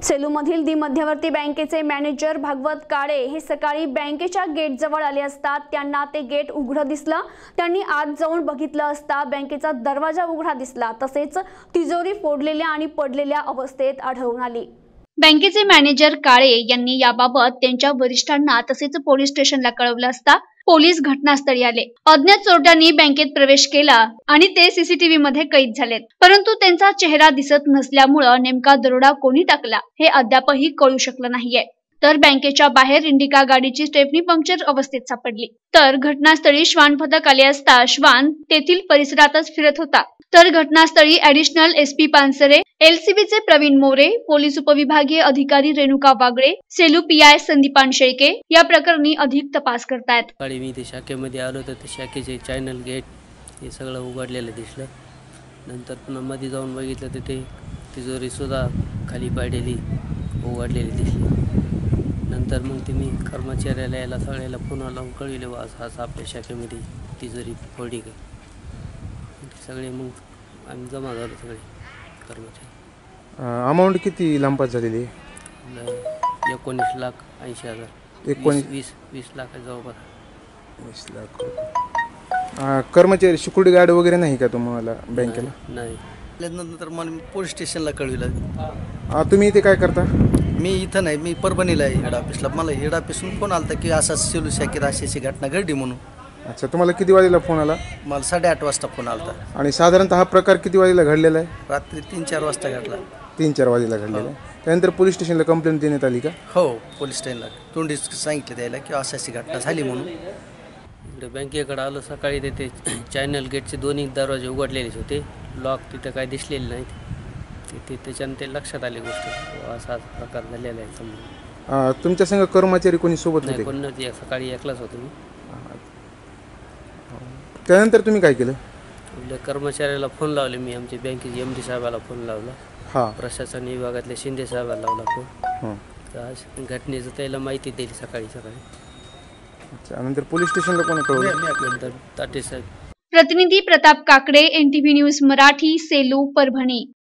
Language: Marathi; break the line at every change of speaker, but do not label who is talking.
सेलूमधील दी मध्यवर्ती बँकेचे मॅनेजर भागवत काळे हे सकाळी बँकेच्या गेट जवळ आले असता त्यांना ते गेट उघडं दिसलं। त्यांनी आत जाऊन बघितलं असता बँकेचा दरवाजा उघडा दिसला, तसेच तिजोरी फोडलेल्या आणि पडलेल्या अवस्थेत आढळून आली। बँकेचे मॅनेजर काळे यांनी याबाबत त्यांच्या वरिष्ठांना तसेच पोलीस स्टेशनला कळवलं असता पोलीस घटनास्थळी आले। अज्ञात चोरट्यांनी बँकेत प्रवेश केला आणि ते सीसीटीव्ही मध्ये कैद झालेत, परंतु त्यांचा चेहरा दिसत नसल्यामुळे नेमका दरोडा कोणी टाकला हे अद्यापही कळू शकलं नाहीये। तर बँकेच्या बाहेर इंडिका गाडीची स्टेपनी पंक्चर अवस्थेत सापडली। तर घटनास्थळी श्वान पथक आले असता श्वान तेथील परिसरातच फिरत होता। तर घटनास्थळी ऍडिशनल एसपी पानसरे, एलसीबीचे प्रवीण मोरे, पोलीस उपविभागीय अधिकारी रेणुका वागळे, सेलू पीआय संदीपान शेळके या प्रकरणी अधिक तपास करतायत।
मी ते शाखेमध्ये आलो तर ते शाखेचे चॅनल गेट हे सगळं उघडलेलं दिसलं। नंतर पुन्हा मध्ये जाऊन बघितलं तर ते तिजोरी सुद्धा खाली पडलेली उघडलेली दिसली। नंतर मग ते मी कर्मचाऱ्याला याला सगळ्याला पुन्हा लावून कळविले, असं आपल्या शाखेमध्ये तिजोरी फोडी का सगळे मग आम्ही जमा झालो सगळे कर्मचारी।
अमाऊंट किती लंपास झालेली?
19,80,000 20 लाख जवळपास
20 लाख। कर्मचारी सिक्युरिटी गार्ड वगैरे नाही का तुम्हाला बँकेला?
नाही।
नंतर मला पोलीस स्टेशनला कळविलं।
तुम्ही इथे काय करता?
मी इथं नाही, मी परभणीला आहे हेड ऑफिसला। मला हेड ऑफिसून फोन आला की असा सेलू शाखेत अशी घटना घडली म्हणून।
अच्छा, तुम्हाला किती वाजेला फोन आला?
मला 8:30 वाजता फोन आला।
आणि साधारणतः हा प्रकार किती वाजेला घडलेला आहे?
रात्री 3-4 वाजता घडला।
3-4 वाजेला घडलेला आहे। त्यानंतर पोलीस स्टेशनला कंप्लेंट देण्यात आली का?
हो, पोलीस स्टेशनला तोंडी सांगितलं द्यायला की अशी घटना झाली म्हणून।
इकडे बँकेकडे आलो सकाळी, ते चॅनल गेटचे दोन्ही दरवाजे उघडलेलेच होते, लॉक तिथं काय दिसलेले नाहीत। त्याच्यानं ते लक्षात आली गोष्ट, असा प्रकार झालेला आहे समोर।
तुमच्या संग कर्मचारी कोणी सोबत होते?
कोण नव्हते, सकाळी एकलाच होतो मी।
त्यानंतर तुम्ही काय केलं?
कर्मचाऱ्याला फोन लावले मी, आमच्या बँकेचे एमडी साहेबाला फोन लावला, प्रशासन विभागातल्या शिंदे साहेबाला लावला फोन। तर घटनेचं त्याला माहिती दिली सकाळी।
अच्छा, नंतर पोलीस स्टेशनला कोणी कळवलं?
नंतर ताटे साहेब।
प्रतिनिधी प्रताप काकडे, NTV न्यूज मराठी, सेलू, परभणी।